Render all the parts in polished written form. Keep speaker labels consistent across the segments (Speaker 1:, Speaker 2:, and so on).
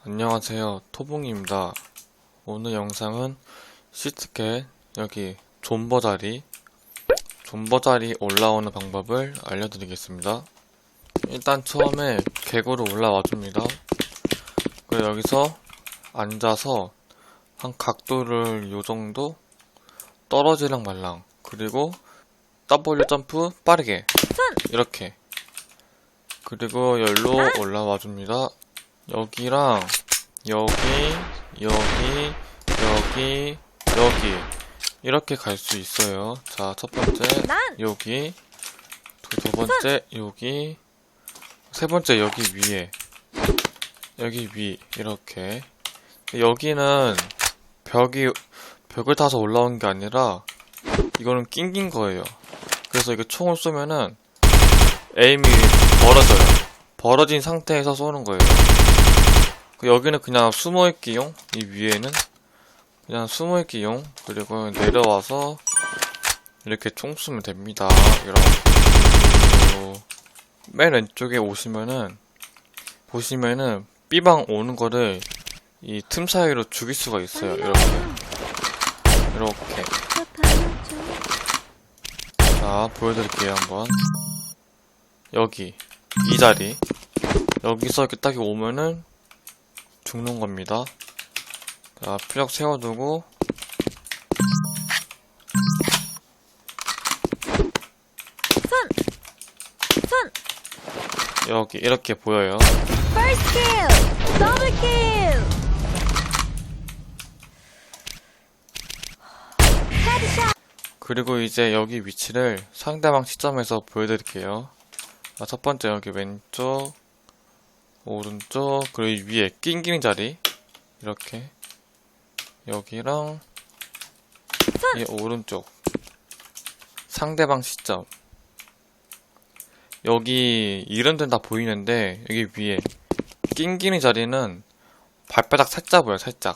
Speaker 1: 안녕하세요, 토봉입니다. 오늘 영상은 시트캣 여기 존버 자리 올라오는 방법을 알려드리겠습니다. 일단 처음에 객으로 올라와 줍니다. 그리고 여기서 앉아서 한 각도를 요정도 떨어지랑 말랑, 그리고 W 점프 빠르게 이렇게, 그리고 열로 올라와 줍니다. 여기랑 여기 이렇게 갈 수 있어요. 자, 첫 번째 여기, 두 번째 여기, 세 번째 여기 위에, 여기 위 이렇게. 여기는 벽을 타서 올라온 게 아니라 이거는 낑긴 거예요. 그래서 이게 총을 쏘면은 에임이 벌어져요. 벌어진 상태에서 쏘는 거예요. 여기는 그냥 숨어있기용, 이 위에는 그냥 숨어있기용. 그리고 내려와서 이렇게 총 쏘면 됩니다. 이렇게. 맨 왼쪽에 보시면은 B방 오는 거를 이 틈 사이로 죽일 수가 있어요. 이렇게. 자, 보여드릴게요 한번. 여기 이 자리, 여기서 이렇게 딱 오면은 죽는 겁니다. 자, 피력 세워두고 여기 이렇게 보여요. 그리고 이제 여기 위치를 상대방 시점에서 보여드릴게요. 자, 첫 번째 여기 왼쪽, 오른쪽, 그리고 위에 낑기는 자리 이렇게, 여기랑 이 오른쪽 상대방 시점, 여기 이런 데는 다 보이는데 여기 위에 낑기는 자리는 발바닥 살짝 보여요. 살짝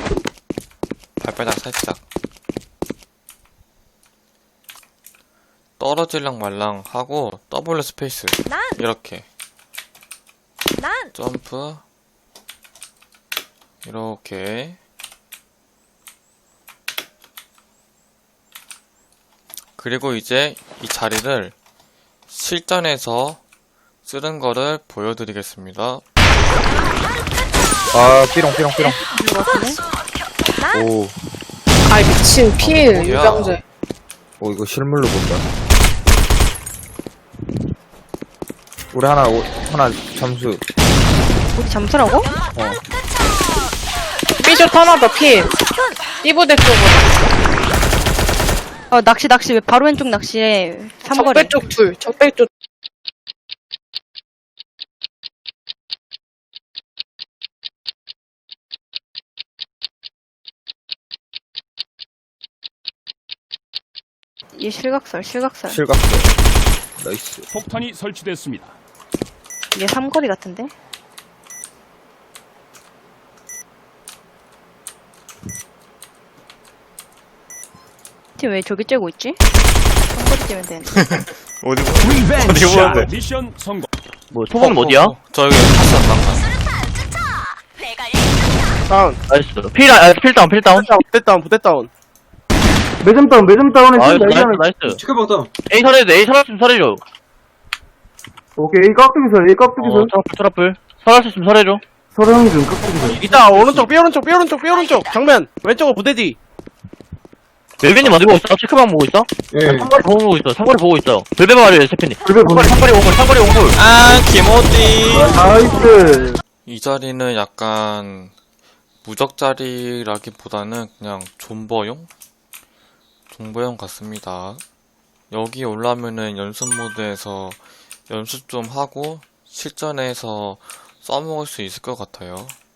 Speaker 1: 발바닥 살짝. 떨어질랑 말랑 하고 W 스페이스 이렇게 점프 이렇게. 그리고 이제 이 자리를 실전에서 쓰는 거를 보여드리겠습니다.
Speaker 2: 아, 삐롱. 오,
Speaker 3: 아이 미친 필
Speaker 1: 뭐야?
Speaker 3: 유병재.
Speaker 2: 오, 이거 실물로 본다. 우리 하나 점수.
Speaker 3: 우리 잠수라고? 삐슛 하나 더 필. 띠부대 쪽으로.
Speaker 4: 낚시 왜 바로 왼쪽 낚시에 삼거리.
Speaker 3: 적배 쪽 둘. 적배 쪽.
Speaker 4: 얘 실각설.
Speaker 2: 실각대. 나이스.
Speaker 5: 폭탄이 설치됐습니다.
Speaker 4: 얘 삼거리 같은데? 팀 왜 저기 째고 있지? 삼거리 째면 되는데.
Speaker 1: 어디
Speaker 5: 리벤지
Speaker 1: 보는데?
Speaker 5: 미션 성공.
Speaker 6: 뭐, 소범은 어디야?
Speaker 1: 저 여기 탔어, 방금.
Speaker 7: 다운.
Speaker 6: 나이스. 필다운.
Speaker 7: 부대다운.
Speaker 8: 매점 다운에
Speaker 6: 나이스,
Speaker 8: 지금
Speaker 6: 나이스.
Speaker 8: 치카방 다운.
Speaker 6: A 설했으면 설해줘.
Speaker 8: 오케이, 깍두기설.
Speaker 6: 트러플. 설했으면 설해줘.
Speaker 8: 서령 중 깍두기설.
Speaker 7: 이따 오른쪽 삐오른쪽 정면 왼쪽은 부대 뒤.
Speaker 6: 멜빈님 어디 보고 있어? 체크방 보고 있어?
Speaker 8: 예.
Speaker 6: 상거리 보고 있어. 상거리 보고 있어. 별배 말이에요, 세피님.
Speaker 8: 불배 보내.
Speaker 6: 상거리 옹골.
Speaker 1: 아, 김호띠.
Speaker 8: 나이스.
Speaker 1: 이 자리는 약간 무적 자리라기보다는 그냥 존버용 같습니다. 여기 올라오면은 연습 모드에서 연습 좀 하고 실전에서 써먹을 수 있을 것 같아요.